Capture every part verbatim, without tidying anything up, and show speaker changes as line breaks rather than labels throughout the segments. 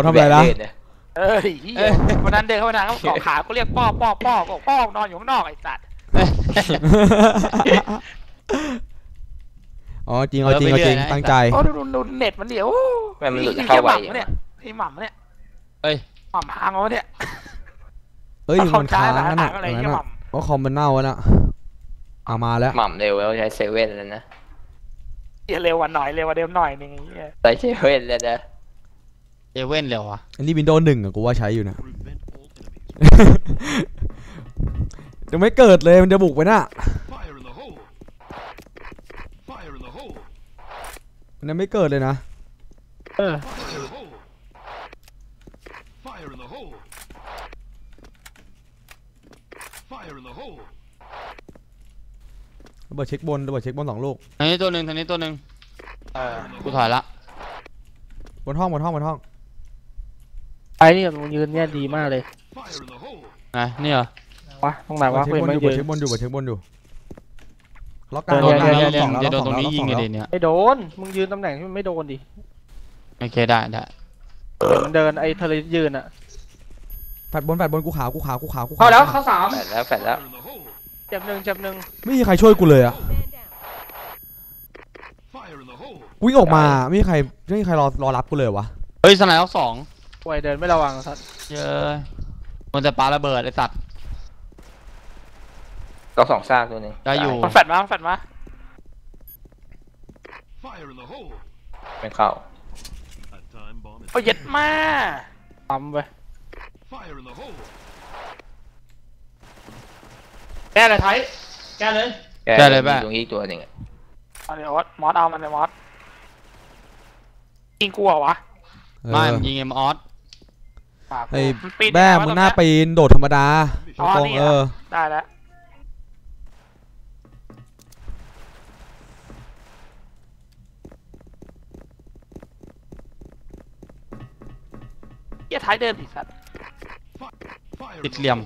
ทำอะไรนะ
เอ้ยวันนั้นเดินเข้ามาทางเขาเกาะขาก็เรียกป้อป้อป้อบอกป้อนอนอยู่ข้างนอกไอ้สัตว์
อ๋อจริงเอาจริงเอาจริงตั้งใจ
โอ้ดูดูเน็ตมันเดี๋ยว
มันหลุดเข้าไป
เนี่ยไอ้หม่ำเนี่ย
เฮ้ย
หม่ำพังเอาเนี่ย
เอ้ยมันค้างนั่นน่ะว่าคอมมันเน่าแล้วน่ะเอามาแล้ว
หม่ำเร็วแล้วใช้เซเว่นแล้วนะ
อย่าเร็ววันหน่อยเร็ววันเดิมหน่อยนึง
ใช้เซเว่นแล้วนะ
เซเว่นเร็วอ่ะ
อันนี้วินโดว์หนึ่งอะกูว่าใช้อยู่นะจะไม่เกิดเลยมันจะบุกไปน่ะมันยังไม่เกิดเลยนะ
เออ
ระเบิดเช็คบนระเบิดเช็คบนสองลูก
ทางนี้ตัวหนึ่งทางนี้ตัวหนึ่งเออกูถอยละ
บนห้องบนห้องบนห้อง
ไอ้นี่มันยืนเนี่ยดีมากเลย
ไงนี่เหรอ
วะตรงไหนวะ
เช็คบนอยู่เช็คบนอยู่เช็คบนอยู่ล็อกกลาง
ล็อกกลางสองจะโดนตรงนี้ยิงไงเดี๋ยวนี้
ไม่โดนมึงยืนตำแหน่งที่มันไม่โดนดิ
โอเคได้ได้
มันเดินไอ้ทะเลยืนอะ
แฟดบนแฟดบนกูขาวกูขาวกูขาวกู
เข้าแล้วเข้าสาม
แฟดแล้วแฟดแล้ว
เจ็บหนึ่งเจ็บหนึ่ง
ไม่มีใครช่วยกูเลยอะวิ่งออกมาไม่มีใครไม่มีใครรอรอรับกูเลยวะ
เฮ้ยสไนด์ล็อกสอง
ป่วยเดินไม่ระวังสัตว์
เยอะมันจะปาระเบิดไอ้สัตว์
ก็สองซากตัวนี้
ได้อยู่
แฟดมาแฟดมา
ไม่เข้า
โอ้ยเย็ดมาปั๊มไปแกเลยไทยแกเลย
แกเลยแม่
ตรงนี้ตัวหนึ่ง
เอาเดี๋ยวมอสเอามันเลยมอสยิงกูเหรอวะ
ไม่ยิงเอ็มออส
ไอ้แม่มึงหน้าปีนโดดธรรมดาตรงเออ
ได้แล้วเหี้ยท้ายเดินติดสัตว์
ติดเหลี่ยม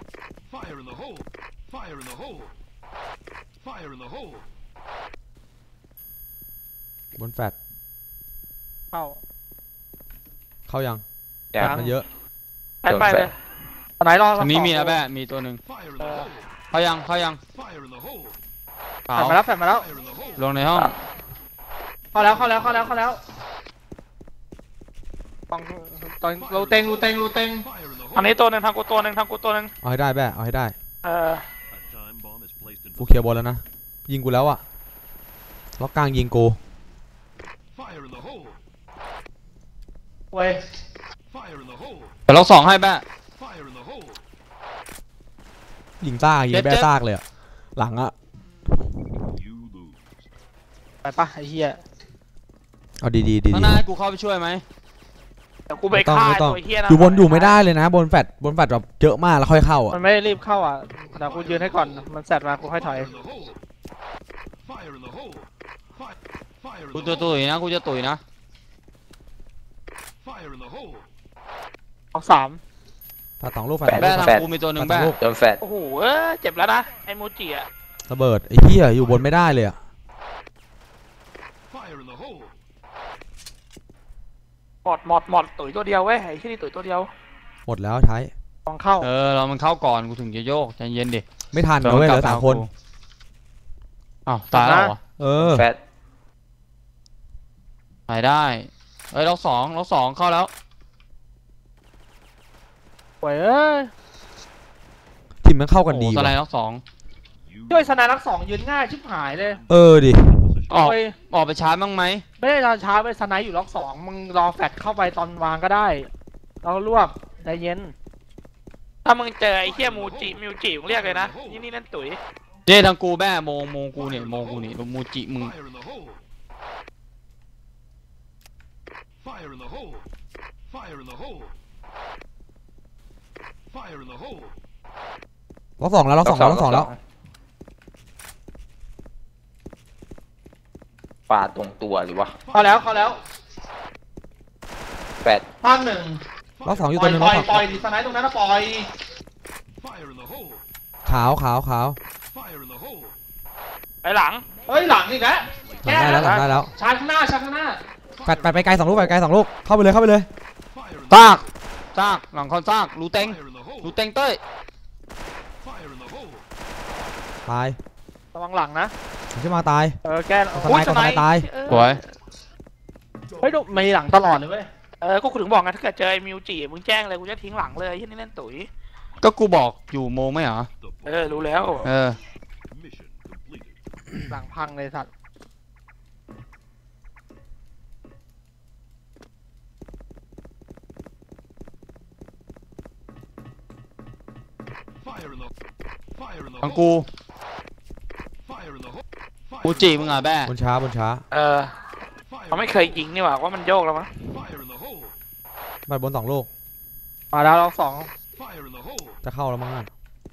บนแฟด
เข้า
เข้ายัง
แฟด
มันเยอะ
ไปไปเลยตอนไหนรอ
ตอนนี้มีนะแม่มีตัวหนึ่งเข้ายังเข้ายัง
แฟดมาแล้วแฟดมาแล้ว
ลงในห้อง
เข้าแล้วเข้าแล้วเข้าแล้วเข้าแล้วตอนตอนรูเต็งรูเต็งรูเต็งอันนี้ตัวหนึ่งทางกูตัวหนึ่งทางกูตัวหนึ่ง
เอาให้ได้แม่เอาให้ได้
เออ
กูเคลียร์บอลแล้วนะยิงกูแล้วอะล็อกกลางยิงกู
เว้ย
แต่ล็อกสองให้แม่
ยิงซากยิงแม่ซากเลยอะหลังอะ
ไปปะไอ้เหี้ย
เอาดีดีดี
ข้างหน้าให้กูเข้าไปช่วยไหม
แต่กูไปฆ่าตัวเหี้ยนะ
อยู่บนอยู่ไม่ได้เลยนะบนแฟดบนแฟดแบบเยอะมากแล้วค่อยเข้าอ่ะ
มันไม่รีบเข้าอ่ะแต่กูยืนให้ก่อนมันแซดมากูค่อยถอย
กูจะตุ๋ยนะกูจะตุ๋ยนะ
เอาสาม
ถ้าสองลูกแฟด
แม่ทางกูมีตัวหนึ่งแม่
โดนแฟด
โอ้โหเจ็บแล้วนะไอ้โมจิอะ
ระเบิดไอ้เหี้ยอยู่บนไม่ได้เลยอะ
หมดหมดหมดตุ๋ยตัวเดียวเว้ยไอ้ที่นี่ตุ๋ยตัวเดียว
หมดแล้วท้าย
ต้องเข้า
เออเรามันเข้าก่อนกูถึงจะโยกใจเย็นดิ
ไม่ทันเลยเหลือสามคน
อ้าวตายแล้ว
เออ
แฟด
ไปได้เอ้ยล็อกสองล็อกสองเข้าแล้ว
โว้ยเอ้ย
ทีมมันเข้ากันดี
สไลด์ล็อกสอง
ช่วยสไนด์ล็อกสองยืนง่ายชิบหายเลย
เออดิ
ออกออกไปชาร์จบ้างไหม
ไม่ได้รอช้าไปสไนด์อยู่ล็อกสองมึงรอแฟดเข้าไปตอนวางก็ได้เราลวกใจเย็นถ้ามึงเจอไอ้เหี้ยมูจิมิวจิมึงเรียกเลยนะนี่นี่นั่นตุ๋ย
เจ๊ทางกูแม่โมงโมงกูเนี่ยโมงกูนี่มูจิมึง
ล็อกสองแล้วล็อกสองแล้วล็อกสองแล้ว
ปาดตรงตัวหรือวะ
เข้าแล้วเข้าแล้ว
แฟด
ภาคหนึ่ง
ล็อกสองอยู่ตัวนึง
ปล่อยปล่อยดิสไนด์ตรงนั้นนะปล่อย
ขาวขาวขาว
ไปหลังเฮ้ยหลังนี่แก
ได้แล้วได้แล้ว
ชาร์จข้างหน้าชาร์จข้างหน้า
แปดแปดไปไกลสองลูกไปไกลสองลูกเข้าไปเลยเข้าไปเลย
ซากซากหลังคอนซากรูเต็งรูเต็งเต้ย
ตาย
ระวังหลังนะ
มันจะมาตาย
เออแก
สไนด์สไนด์ตาย
เออ
สวย
เฮ้ยดูมีหลังตลอดเลยเว้ยเออก็กูถึงบอกไงถ้าเกิดเจอไอ้มิวจิมึงแจ้งเลยกูจะทิ้งหลังเลยที่นี่เล่นตุ๋ย
ก็กูบอกอยู่โมงไม่เหรอ
เออรู้แล้ว
เออ
หลังพังเลยสัตว์
ทางกูมูจิมึงอ่ะแบ้
บนช้าบนช้า
เออเขาไม่เคยยิงนี่หว่าว่ามันโยกแล้วมั้ง
บัดบนสองลูก
มาแล้วเราสอง
จะเข้าแล้วมั้งอ่ะ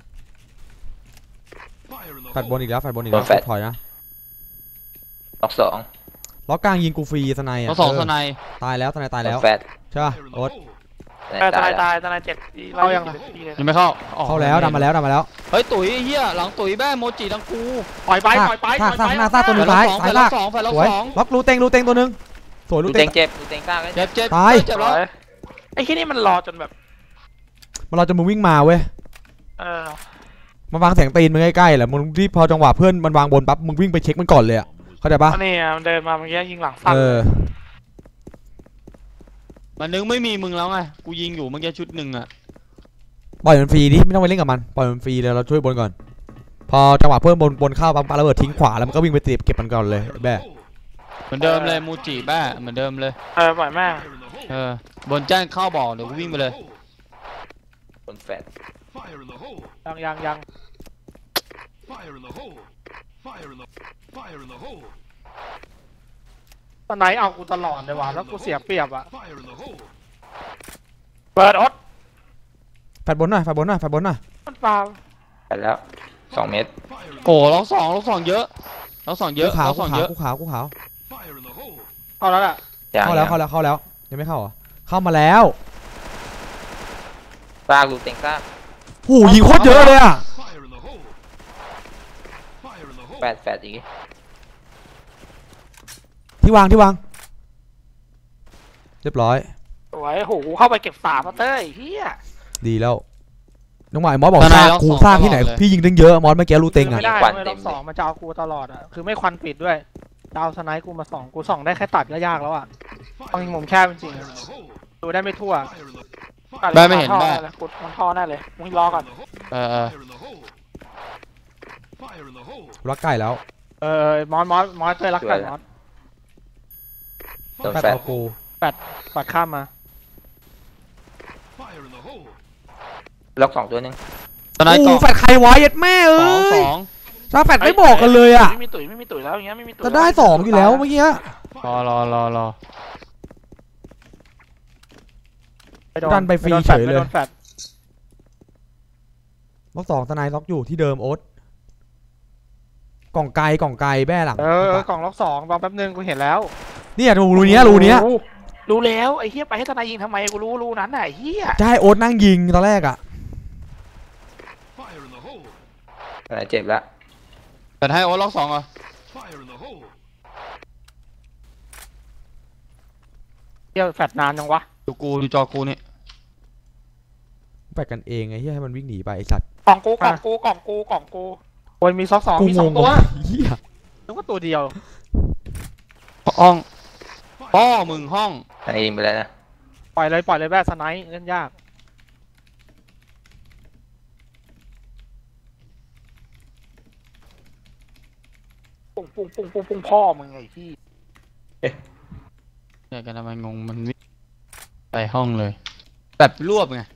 แฟดบนอีกแล้วแฟดบนอีกแล้วถอยนะ
ล็อกสอง
ล็อกกลางยิงกูฟรีสไนด์
เรา
อ่ะ
สอง
เอ
ส
อ
ไน
ตายแล้วสไนด์ตาย
ล็
แล้
อ
ว
กแฟด
ใช่ป่ะโอ๊ต
ตายตาย
ตา
ตาย ยตายเจ็ดเข้ายังไง
ยังไม่เข้าออก
เข้าแล้วดันมาแล้วดันมาแล้ว
เฮ้ยตุ๋ยเฮียหลังตุ๋ยแบ้โมจิทั้งกู
ปล่อยไปปล่อยไป
ซากซากหน้าซากตัวหนึง
แฟ
ซ้าย
นสอง
ซ้าย
แฟ
ลาน ก
สองแฟน
สวย
สอง
ล็อกรูเต็งรูเต็งตัวหนึงสวยรู
ดู
เต็
เต็
ง
งเจ็บดูเต็งซาก
เจ็บเจ็บ
ตาย
เจ็บแล้ว
ไอ้ที่นี่มันรอจนแบบ
มันเราจะมึงวิ่งมาเว้ย
เออ
มันวางเสียงตีนมึงใกล้ๆแหละมึงที่พอจังหวะเพื่อนมันวางบนปั๊บมึงวิ่งไปเช็คมันก่อนเลยอ่ะเข้าใจปะ
อันนี้มันเดินมาเมื่อกี้ยิงหลังสั้น
เออ
มันนึงไม่มีมึงแล้วไงกูยิงอยู่เมื่อกี้ชุดหนึ่งอ่ะ
ปล่อยมันฟรีดิไม่ต้องไปเล่นกับมันปล่อยมันฟรีเลยเราช่วยบนก่อน พอจังหวะเพื่อนบนบนเข้าปั๊บปาระเบิดทิ้งขวาแล้วมันก็วิ่งไปเก็บเก็บมันก่อนเลยไอ้แบ่
เหมือนเดิมเลยมูจิแบ้เหมือนเดิมเลย
เออปล่อยแม่ง
เออบนแจ้งเข้าบอกเดี๋ยวกูวิ่งไปเลย
บนแฟด
ยังยังยังตอนไหนเอากูตลอดเลยว่ะแล้วกูเสียเปรียบอ่ะเปิดอด
แฟดบนหน่อยแฟดบนหน่อยแฟดบนหน่อย
มันเปล่า
แฟดแล้วสองเมตร
โอ้ล็อกสองล็อกสองเยอะล็อกสองเย
กู
อะ
ขาว
ล็อก
กู
สอง
ขา
เยว อะ
กูขาวกูขาว
เข้าแล้วล่ะ
ยัง
เข้าแล้ว
ยัง
เข้าแล้วเข้าแล้วยังไม่เข้าเหรอเข้ามาแล้ว
ซากดูเต็งซาก
หูยิงโคตรเยอะเลยอ่ะ
แฟดแฟดอีก
ที่วางที่วางเรียบร้อย
สวยโหเข้าไปเก็บสามมาเต้ยเฮีย
ดีแล้วน้องหมายมอสบอกซากกูซากที่ไหนพี่ยิงตั้งเยอะมอสเมื่อกี้รูเต็งอ่ะ
ไม่ได้เลยรอบสองมันจะเอากูตลอดอ่ะคือไม่ควันปิดด้วยดาวสไนป์กูมาสองกูสองได้แค่ตัดก็ยากแล้วอ่ะต้องยิงมุมแคบจริงๆดูได้ไม่ทั่ว
แบ้ไม่เห็นแบ้
กดมันท่อแน่เลยมึงรอก่อน
เออเออ
รักไก่แล้ว
เออมอสมอสมอสเต้ยรักกันมอส
โดน
แฟด
แฟด
เอากู
ปัดข้ามมา
ล็อกสองตัวหนึง
ตอนนั้น
โอ้
ก็
แฟดใครวะเย็ดแม่เอ้
สองส
ย
อง
ถ้าแฟดไม่บอกกันเลยอ่ะ
ไม่มีตุ๋ยไม่มีตุ๋ยแล้วอย่างเงี้ยไม่มีตุ๋ย
จะได้สองอยู่แล้วเมื่อกี้
รอรอรอรอ
ดันไปฟรีเฉยเลย
ไม่โดนแฟด
ล็อกสองสไนด์ล็อกอยู่ที่เดิมโอ๊ตกล่องไกลกล่องไกลแบ้หลัง
เออเออกล่องล็อกสองรอแป๊บนึงกูเห็นแล้ว
เนี่ยรูรูเนี้ยรูเนี้ย
รู้แล้วไอ้เฮียไปให้ทนายยิงทำไมกูรู้รูนั้นน่ะไอ้เฮีย
จะให้โอ๊ตนั่งยิงตอนแรกอ่ะ
อะไรเจ็บแล้ว
แต่ให้โอ๊ตล็อกสองเหรอ
เฮียแฟดนานยังวะ
ดูกูดูจอกูนี่
แฟดกันเองไอ้เหี้ยให้มันวิ่งหนีไปไอ้สัตว์
กล่องกูกล่องกูกล่องกูกล่องกูโอ้ยมีซอกสอง
กู
มี
ง
สอง
ง
ตัว
ว่ะเหี้ย
นึกว่าตัวเดียว
ห้องพ่อมึงห้อง
อันนี้ยิงไปแล้วนะ
ปล่อยเลยปล่อยเลยแบสไนป์เล่นยากปุ้งปุ้งปุ้งปุ้งปุ้งพ่อมึงไอ้ที่
เนี่ยกันทำไมงงมันวิ่งไปห้องเลย แบบรวบไง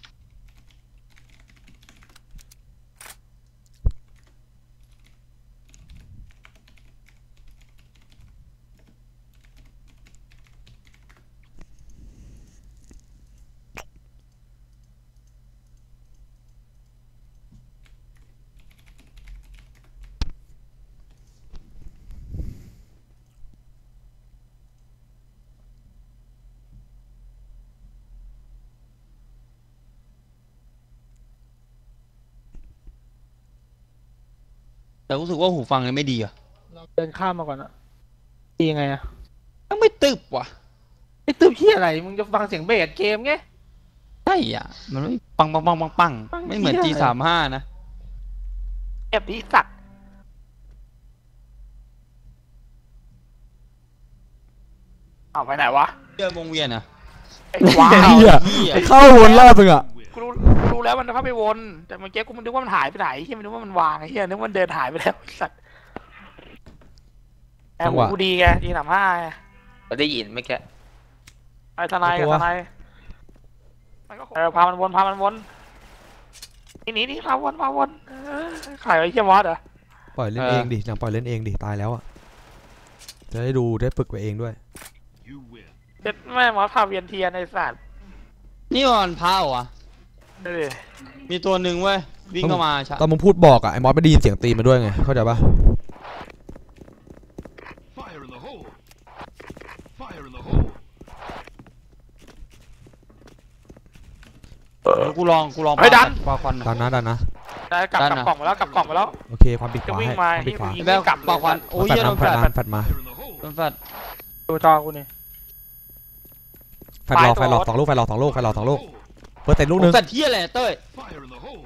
แต่รู้สึกว่าหูฟังเลยไม่ดีอ่ะ
เดินข้ามมาก่อนอะดีไงอะ
ยังไม่ตึบว่ะ
ไอ้ตื้อเหี้ยอะไรมึงจะฟังเสียงเบสเกมไง
ใช่อ่ะ มันไม่ปังปังปังปังปังไม่เหมือน จี สามห้า นะ
เอฟดีสัตว์เอาไปไหนวะ
เดินวงเวียนอ่ะ
ไอ้ว้า
เหี้
วย
เข้าวนรอบนึงอ่ะ
กูรู้กูรู้แล้วมันเข้าไปวน แต่เมื่อกี้กูมันนึกว่ามันหายไปไหนเฮียมันนึกว่ามันวางไอ้เฮียนึกว่ามันเดินหายไปแล้วไอ้สัตว์แอ
จั
บ
งหวะ
กูดีไงดีสามห้า
เราได้ยินเมื่อกี้
ไอ้ทนายกับทนายมันก็เออพามันวนพามันวนนี่นี่นี่พาวนพาวนเออขายไอ้เฮียวอสเหรอ
ปล่อยเล่น
เออ
เองดิหนังปล่อยเล่นเองดิตายแล้วอ่ะจะได้ดูได้ฝึกไปเองด้วย
เจ็ดแม่หมอพาเวียนเทียนไอ้สัตว์
นี่มันพาวอ่ะ
เออ
มีตัวหนึ่งเว้ย วิ่งเข้ามาชะ
ตอนมึงพูดบอกอ่ะไอ้มอสไม่ได้ยินเสียงตีนมาด้วยไงเข้าใจปะ
Fire in the hole! Fire in the hole!
เดี๋ยวกูลองกูลอง
เฮ้ยดัน
ปาควัน
ดันนะดันนะ
ได้กลับ
ดัน
กลับ
อะ
กล่องมาแล้วกลับกล่องมาแล้ว
โอเคความปิดข
จะ
วา
วิ่ง
ให้
มา
ความปิดขวา
ยิง
แบ
กลับ
ปาควันโอ้ย
แฟด
เหี้ยโด
มาน แฟ
แฟ
ด
ด
มาแฟดมา
Fire in the hole!
โดนแฟด
ดูจอกูนี่
แฟดหลอกแฟดหลอกสองลูกแฟดหลอกสองลูกแฟดหลอกสองลูกเปิดเต็มลูกหนึง
แฟดเที่ยอะไรเต้ย
Fire in the hole!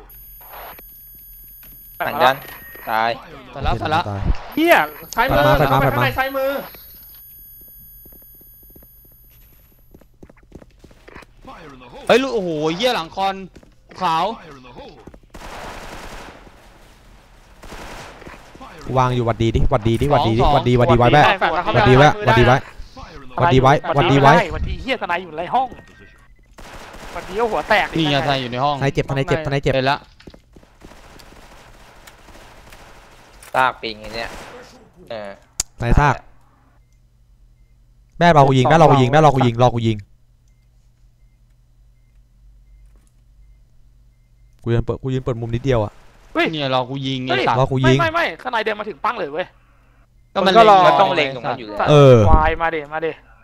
หันยันตาย
แฟดแล้วแฟดแล้ว
ตาย
เฮียซ้ายมือ
แฟดมาแฟดมา
ข้างในซ้ายมือ
Fire in the hole!
เฮ้ยลูกโอ้โหเหี้ยหลังคอนขาว
Fire in the hole! Fire
กูวางอยู่หวัดดีดิหวัดดีดิหวัดดีดิ
สอง
หวัดดีหวัดดีไว้แม่
แฟดแล้วเข้า
หวัด
ไป
ดีไว้
มือ
หวัดดีไว้
Fire in the
หวัดดีไว้หวัดดีไว้
หวัดดีเฮียทนายอยู่ในห้องหวัดดีเอาหัวแตก
นี่ไงทนายอยู่ในห้อง
ทนายเจ็บทนายเจ็บทนายเจ็บ
เห็นละ
ซากปิงไอ้เนี่ยเออ
ทนายซากแม่รอกูยิงแม่รอกูยิงแม่รอกูยิงรอกูยิงกูยืนเปิดกูยืนเปิดมุมนิดเดียวอ่ะ
เนี่ยเรากูยิงไอ้
เฮ้ย
สัตว์
รอกูยิง
ไม่ไม่ไม่ข้างในเดินมาถึงปั้งเลยเว้ย
ก็มัน
ก็รอ
มันต้องเล็งตรงนั้นอยู่แล้ว
เออ
วายมาเดมาเด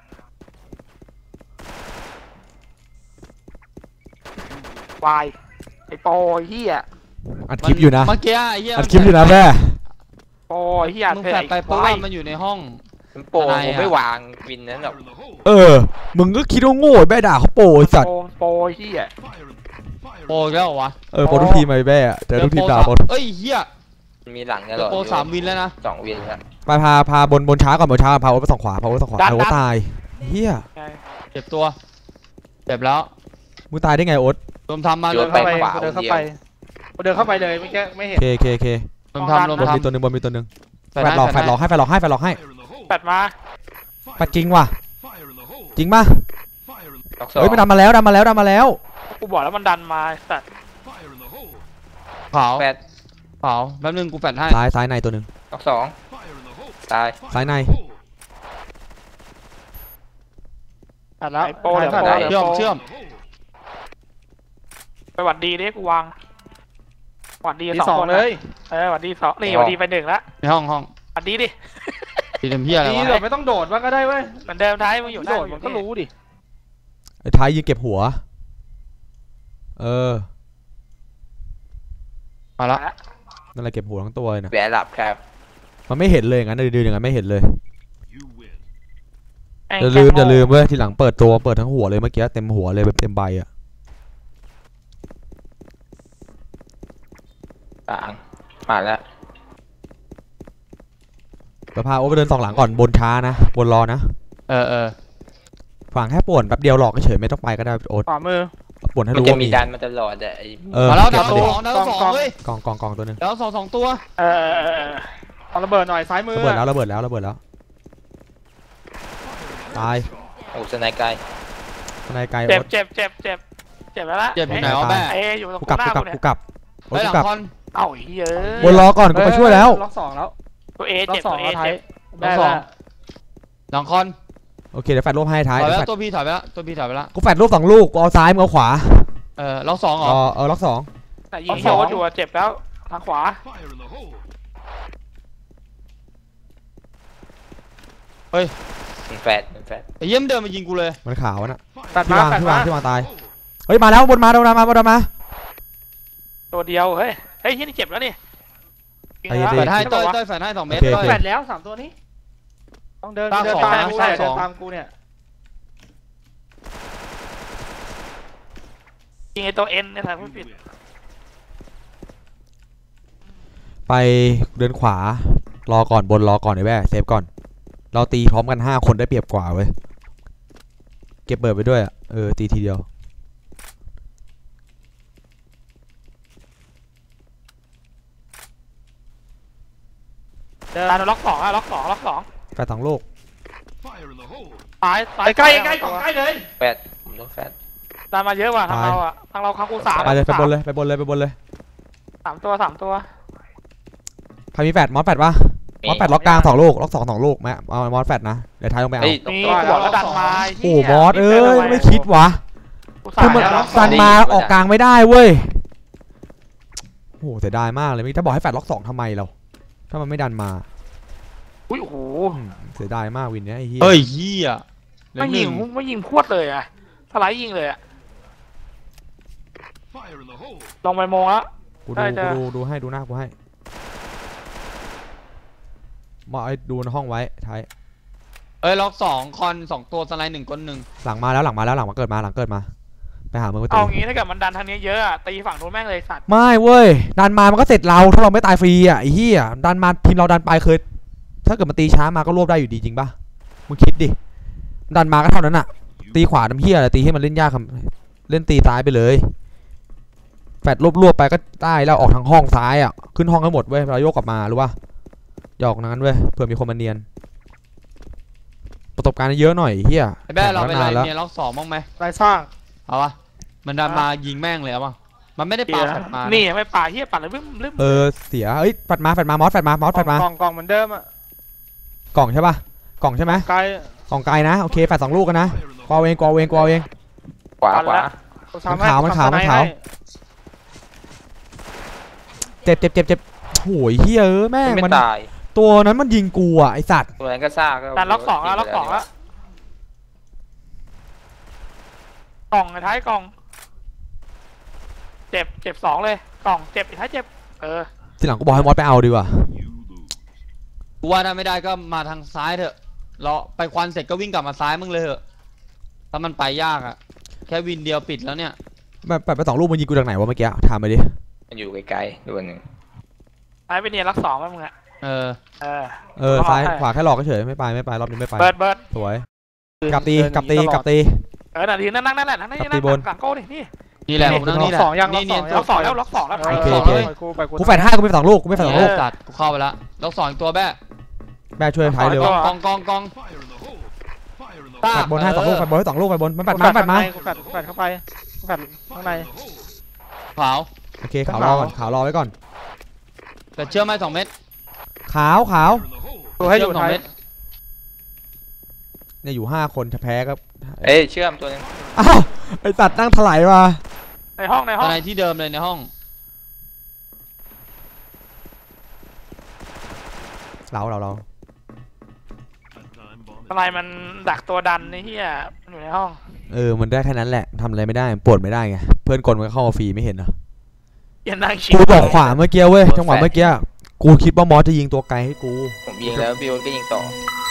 วายไอ้โปเฮีย
อัดคลิปอยู่นะ
เมื่อกี้ไอ้เหี้ย
อัดคลิปอยู่นะแม่
โปเฮีย
มึง
เธอ
แฟด
ไอ้
ไปเพราะ
ควา
ว่าย มันอยู่ในห้อง
มันโป่ง
ทนาย
ผม
อะ
ไม่วางวินนั้นหรอก
in the hole!
เออมึงก็คิดว่าโง่แม่ด่าเขาโปรไอ้สัตว์
โปโปเฮีย
Fire in Fire
โปรอีกแล้วเหรอวะ
เออโปรทุกทีมไอ้แม่อะเจอทุกทีมด่าโปร
เอ้ยเหี้ย
มันมีหลังต
เจ
ล
อ
อด
โปรสามวินแล้วนะ
สองวินแล้ว
ไปพาพาบนบนช้าก่อนบนช้าพาโอ๊ตไปสองขวาพาโอ๊ตไปสองขวา
ดัน
ไอ้โอ๊ต
ดัน
ตายเฮีย
เจ็บตัวเจ็บแล้ว
มึงตายได้ไงโอ๊ต
รวมทำมา
โย
รวน ม
ไป
ทำ
ขวา
เดินเข้า
เดีย
ไป
ว
เดินเข้าไปเลยไม่แค่ไม่เห็น
เคเคเค
รวมทำรวม
บนมี
ทำ
ตัวหนึ่งบนมีตัวหนึ่ง
แฟ
แฟ
ด
ดหลอกแฟ
ให้
ดหลอกให้แฟดหลอกให้แฟดหลอกให้
in the hole!
แปดมา
แฟดจริงว่ะ
Fire in the hole!
จริงป่ะ
Fire in
ล็อกสอง
เฮ้ยมันดันมาแล้วดันมาแล้วดันมาแล้ว
กูบอกแล้วมันดันมาสัตว์
Fire in the hole!
ขาว
แปด
ขาวแป๊บนึงกูแฟดให้
ซ้ายซ้ายในตัวหนึ่ง
ล็อกสอง
Fire in the hole!
ตาย
ซ้ายใน
Hole!
ตัดแล้วโปเดี๋ยวโป
ได้
เดี๋ยว
เชื่อม
โป
เชื่อม
ไปหวัดดีดิกูวางหวัดดี
ดี
สอง
สอง
คน
เลย
เออหวัดดีสองนี่หวัดดีไปหนึ่งละ
ในห้องห้อง
หวัดดีดิ
ตีเต็มเพี้ยอะไร
ดี
วะ
เดี๋ยวไม่ต้องโดดว่าก็ได้เว้ย
เหมือนเดิมท้ายมึงอยู่
โดด
อ
มันก็รู้ดิ
ไอ้ท้ายยิงเก็บหัว เออ
มาละ
นั่นแหละเก็บหัวทั้งตัวเลยนะ
แหวนหลับครับ
มันไม่เห็นเลยงั้นดื้อๆอย่างนั้นไม่เห็นเลย
You win.
อย่าลืมอย่าลืมเว้ยทีหลังเปิดตัวเปิดทั้งหัวเลยเมื่อกี้เต็มหัวเลยแบบเต็มใบอ่ะ
ต่างมาแล้ว
เดี๋ยวพาโอ๊ตไปเดินสองหลังก่อนบนช้านะบนรอนะ
เออเออ
ฝั่งแค่ป่วนแป๊บเดียวหลอกเฉยๆไม่ต้องไปก็ได้โอ๊ต
ขวามือ
ป่วนให้
มัน
รู้
จะ
ว่า
มี
มี
ดันมาตลอดอะไอ้
เออ
มาแล้ว
เก็
ดา
บ
ว
มา
ส
ดิ
องดาวสองเว้ย
กองกองกองตัวหนึง
ดาวสองสองตัว
เออเออเออเออ
เอาระเบิดหน่อยซ้ายมือ
ระเบิดแล้วระเบิดแล้วระเบิดแล้วตาย
โอ้สไนไกล
ข้างในไกล
เจ็บ
โอ๊ต
เจ็บเจ็บเจ็บเจ็บแล้วละ
เจ็บอยู่ไหนวะแม่
เอ้ยอยู่ตรง
กูกลับ
หน้า
กูกลับ
กูเนี่ย
กูกลับโอ๊ต
เฮ้ยห
กู
ลัง
กลับ
คอน
เอ้าเฮ้ย
บนรอก่อนกูมาช่วยแล้ว
ล็อกสองแล้ว
ตัวเอ
ล็อ
เจ็
ก
บ
สอ
ตั
ง
วเอ
แล้วไทย
เจ็บ
ได้
ล็อกสอง
แล้ว
หลังคอน
โอเคเดี๋ยวแฟดรูปให้ท้าย
ถอยไป
เดี๋ยว
แล้
แฟด
วตัวพี่ถอยไปแล้วตัวพี่ถอยไปแล้ว
กูแฟดรูปสองลูกกูเอาซ้ายมึงเอาขวา
เออล็อกสองเหร
เอ
อ
อเออล็อกสอง
แต่ยิงโยนอยู่อะเจ็บแล้วทางขวา
Fire in the hole.
มันแฟดมันแฟด
ไอ้เยี่ยมนเดินมายิงกูเลย
มันขาวน่ะ
ตัด
ที่าง
มาวตัด
ที่
มาว
างที่วางตายเฮ้ยมาแล้วบนมาโดนมาบนมา
ตัวเดียวเฮ้ยเฮ้ยที่นี่เจ็บแล้วนี่
ไอ้เหี้ย
แฟดให้
ใช่
เต้
ปะ
ยว
ะ
เต้ยแฟดให้สองเมตร
โอเค
เต้ย
แปดแล้วสามตัวนี้ต้องเดิน
ตา
เดิน
สอง
ตาม
นะ
กู
ตา
เนี่ย
สอง
เดินตามกูเนี่ย
ยิงไอตัวเอ็นเนี่ยทางไม่ผิด
ไปเดินขวารอก่อนบนรอก่อนไอ้แว่เซฟก่อนเราตีพร้อมกันห้าคนได้เปรียบกว่าเว้ยเก็บเบิร์ดไปด้วยอ่ะเออตีทีเดียว
เดินล็อกสองอะล็อกสองล็อกสอง
แฟดสองลูก
Fire in the hole.
ซ้ายซ้าย
ใกล้ใกล้กล่องใกล้เลย
แฟดผมต้องแฟด
ตามมาเยอะว่ะทาง
ตาย
เราอะทางเราคากูสาม
ไปเลยไปบนเลยไปบนเลยไปบนเลย
สามตัวสามตัว
ใครมีแฟดมอสแฟดปะมอสแฟดล็อกกลางสองลูกล็อกสองสองลูกแม่เอามอสแฟดนะเดี๋ยวท้ายลงไปเอา
เฮ้ยตรง
นี่
ตัว
กูบอกแล้วดันมาไ
โอ้มอสเอ้ยไม่คิดวะ
กู
คือมัน
ล็อก
ดันมาออกกลางไม่ได้เว้ยโอ้เสียดายมากเลยถ้าบอกให้แฟดล็อกสองทำไมเราถ้ามันไม่ดันมา
อุ้ยโอ้โห
อืมเสียดายมากวินเนี้ยไอ้เหี้ย
เฮ้ยเฮียเหลือ
ไม่
ห
ยิ
นึ่
ง
ง
ไม่ยิงพรวดเลยอะสไลด์ยิงเลยอะ
Fire in the hole.
ลงไปโมงแล้ว
กู
ได้
ดู
จ้ะ
กูดูดูให้ดูหน้ากูให้มาไอ้ดูในห้องไว้ท้าย
เอ้ยล็อกสองคอนสองตัวสไลด์หนึ่งก้นหนึ่ง
หลังมาแล้วหลังมาแล้วหลังมาเกิดมาหลังเกิดมาไปหามือไป
เอา
ตี
งี้ถ้าเกิดมันดันทางนี้เยอะอะตีฝั่งนู้นแม่งเลยสัตว์
ไม่เว้ยดันมามันก็เสร็จเราถ้าเราไม่ตายฟรีอ่ะไอ้เหี้ยดันมาทีมเราดันไปเคยถ้าเกิดมันตีช้ามาก็รวบได้อยู่ดีจริงปะมึงคิดดิดันมาก็เท่านั้นอ่ะตีขวาน้ำเหี้ยอะไรตีให้มันเล่นยากครับเล่นตีซ้ายไปเลยแฟดรวบๆไปก็ได้แล้วออกทางห้องซ้ายอ่ะขึ้นห้องให้หมดเว้ยเราโยกกลับมารู้ป่ะหยอกนั้นเว้ยเผื่อมีคนมาเนียนประสบการณ์เยอะหน่อยเหี้ย
ไอ้แบ้เราไป
แข่ง
ไล่
มานานแล้ว
เนี่ยล็อกสองบ้างไหม
ไรสร้าง
เอาวะมันดันมายิงแม่งเลยเอาปะมันไม่ได้ปาแฟดมา
นี่ไม่ป่าเฮียปัดเลยบึ้มบึ้ม
เออเสียเอ้ยแฟดมาแฟดมามอสแฟดมามอสแฟดมาก
ล่องกล่องเหมือนเดิมอ่ะ
กล่องใช่ป่ะกล่องใช่ไหม
ไกล
กล่องไกลนะโอเคแฟดสองลูกกันนะ
Fire in the
กวาเองกวาเองกวาเอง
ขวาขวา
กูทำให้
มันขาวมันขาวมันขาว
ทำสไลด์ให้
เจ็บเจ็บเจ็บเจ็บโอ้ยเฮ้ยเออแม่ง
ไม่
มัน
ตาย
ตัวนั้นมันยิงกูอ่ะไอสัตว์
ตัวนั้นก็ซ่าก็
ดันล็อกสองแล้วล็อกสองแล้วกล่องไอ้ท้ายกล่อง เจ็บเจ็บสองเลยกล่องเจ็บไอ้ท้ายเจ็บเออ
ทีหลังกูบอกให้มอสไปเอาดีกว่า
You lose.
กูว่าถ้าไม่ได้ก็มาทางซ้ายเถอะเราไปควันเสร็จก็วิ่งกลับมาซ้ายมึงเลยเถอะถ้ามันไปยากอะแค่วินเดียวปิดแล้วเนี่ย
แบบแบบไปสองลูกมันยิงกูจากไหนวะเมื่อกี้ถามไปดิ
มันอยู่ไกลๆตัวหนึ่ง
ท้ายไปเนี่ยล็อกสองมั้งมึงอะ
เออ
เออ
เออซ้ายขวาแค่หลอกเฉยไม่ไปไม่ไปรอบนี้ไม่ไป
เบิร์ดเบิร์ด
สวยกลับตีกลับตีกลับตี
เออนาทีนั่งนั่งนั่นแหละนั่งนี่
กลับตี
นั่ง
บน
หลังโก้ดินี่
นี่แหละผมนั่งนี่แหละ
สองยัง
นี่
ส
เนี
อย ง
น
ยั
ล็อกสองแล้วล็อกสองแล้ว
เออ
โอเค
ส
โอ
อง
เค
ไปกูไปกู
กูแฟดห้ากูมีสองลูกกูมีแฟดสองลูก
ตัดกูเข้าไปละล็อกสองอีกตัวแบ้
แม่ช่วยท้ายเร็ว
กองกองกอง
Fire in the hole. Fire in the
ตา
แฟ
hole.
ดบนให้สองลูกแฟดบนให้สองลูกแฟดบนมันแฟ
กู
ดมาแฟดมา
กูแฟดกูแฟดเข้าไปกูแฟดข้างใน
Fire in the hole.
ขาว
โอเคขาวรอก่อนขาวรอไว้ก่อน
แต่เชื่อไหมสองเม็ด
ขาวขาว
Fire in the hole.
ดูให้อยู่
เชื่อมสอง
ท้าย
เม็ด
เนี่ยอยู่ห้าคนจะแพ้ก็
เอ้ยเชื่อมตัวหนึง
อ้าวไอสัตว์นั่งถลายมา
ในห้องในห้
ต
อ
อง นไหนที่เดิมเลยในห้อง
เราเราเรา
That time bomb.
อะไรมันดักตัวดันนี่เฮียมันอยู่ในห้อง
เออมันได้แค่นั้นแหละทำอะไรไม่ได้ปวดไม่ได้ไงเพื่อนกลมันก็เข้ามาฟรีไม่เห็นเหรอ
ยันนั่งชิ
กูบอกขวาเมื่อกี้เว้ยจังหวะเมื่อกี้กูคิดว่ามอสจะยิงตัวไกลให้กู
ผมยิงแล้วพี่โอ๊ตก็ยิงต่อ